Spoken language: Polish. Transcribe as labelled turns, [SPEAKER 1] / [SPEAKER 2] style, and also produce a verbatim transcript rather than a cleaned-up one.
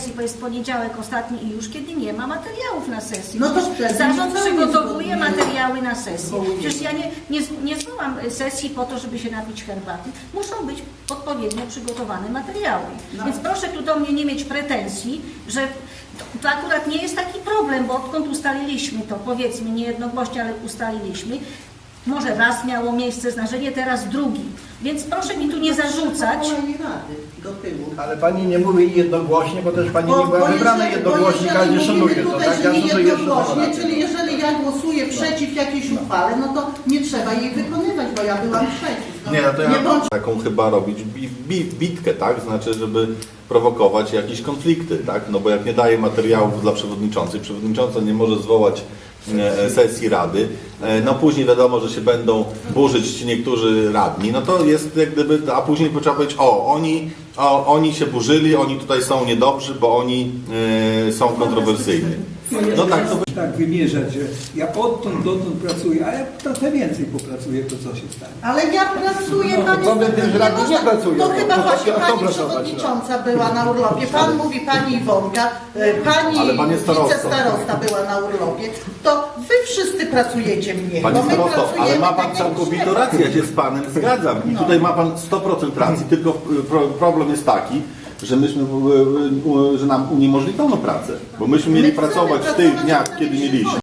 [SPEAKER 1] sesji, bo jest poniedziałek ostatni i już kiedy nie ma materiałów na sesji.
[SPEAKER 2] No to
[SPEAKER 1] Przecież zarząd
[SPEAKER 2] nie
[SPEAKER 1] przygotowuje
[SPEAKER 2] nie
[SPEAKER 1] materiały na sesję.
[SPEAKER 2] zwołuje.
[SPEAKER 1] Przecież ja nie, nie, nie zwołam sesji po to, żeby się napić herbaty. Muszą być odpowiednio przygotowane materiały.
[SPEAKER 2] No.
[SPEAKER 1] Więc proszę tu do mnie nie mieć pretensji, że to, to akurat nie jest taki problem, bo odkąd ustaliliśmy to, powiedzmy nie jednogłośnie, ale ustaliliśmy, może raz miało miejsce zdarzenie, teraz drugi. Więc proszę mi tu nie zarzucać.
[SPEAKER 2] Rady do tyłu.
[SPEAKER 3] Ale pani nie mówi jednogłośnie, bo też pani nie była
[SPEAKER 2] bo
[SPEAKER 3] wybrana
[SPEAKER 2] jeżeli-
[SPEAKER 3] jednogłośnie,
[SPEAKER 2] bo
[SPEAKER 3] każdy
[SPEAKER 2] jeżeli
[SPEAKER 3] szanuje
[SPEAKER 2] mówimy
[SPEAKER 3] to,
[SPEAKER 2] tutaj,
[SPEAKER 3] tak?
[SPEAKER 2] że
[SPEAKER 3] Ja
[SPEAKER 2] nie
[SPEAKER 3] szanuję jeszcze
[SPEAKER 2] jednogłośnie,
[SPEAKER 3] to.
[SPEAKER 2] czyli jeżeli ja głosuję przeciw jakiejś uchwale, no to nie trzeba jej wykonywać, bo ja byłam przeciw. No,
[SPEAKER 4] Nie, no to ja
[SPEAKER 2] nie bądź
[SPEAKER 4] taką chyba robić bi, bi, bitkę, tak? Znaczy, żeby prowokować jakieś konflikty, tak? No bo jak nie daje materiałów dla przewodniczącej, przewodnicząca nie może zwołać e, sesji rady, e, no później wiadomo, że się będą burzyć ci niektórzy radni, no to jest jak gdyby, a później trzeba powiedzieć, o, oni, o, oni się burzyli, oni tutaj są niedobrzy, bo oni e, są kontrowersyjni. No tak, to
[SPEAKER 5] tak wymierzać, że ja odtąd dotąd pracuję, a ja trochę więcej popracuję, to co się stanie.
[SPEAKER 2] Ale ja pracuję,
[SPEAKER 5] No,
[SPEAKER 2] pani
[SPEAKER 3] wobec
[SPEAKER 2] Stefania,
[SPEAKER 3] tych radnych nie
[SPEAKER 2] można-
[SPEAKER 3] pracują.
[SPEAKER 2] To chyba
[SPEAKER 3] No to
[SPEAKER 2] właśnie
[SPEAKER 3] kto
[SPEAKER 2] pani
[SPEAKER 3] pracować,
[SPEAKER 2] przewodnicząca była na urlopie. Pan mówi pani Iwonka, e, pani
[SPEAKER 4] Ale pan jest starostą.
[SPEAKER 2] wicestarosta była na urlopie. To wy wszyscy pracujecie mniej.
[SPEAKER 4] Panie
[SPEAKER 2] bo my
[SPEAKER 4] starosto, ale
[SPEAKER 2] pracujemy
[SPEAKER 4] ma pan
[SPEAKER 2] tak jak
[SPEAKER 4] całkowitą
[SPEAKER 2] trzeba.
[SPEAKER 4] rację, ja się z panem zgadzam. I
[SPEAKER 2] No.
[SPEAKER 4] tutaj ma pan sto procent racji, tylko y, pro, problem jest taki, że myśmy, y, y, y, że nam uniemożliwiono pracę. Bo myśmy mieli
[SPEAKER 2] My chcemy
[SPEAKER 4] pracować w tych
[SPEAKER 2] pracować,
[SPEAKER 4] dniach,
[SPEAKER 2] wtedy
[SPEAKER 4] kiedy
[SPEAKER 2] się
[SPEAKER 4] mieliśmy.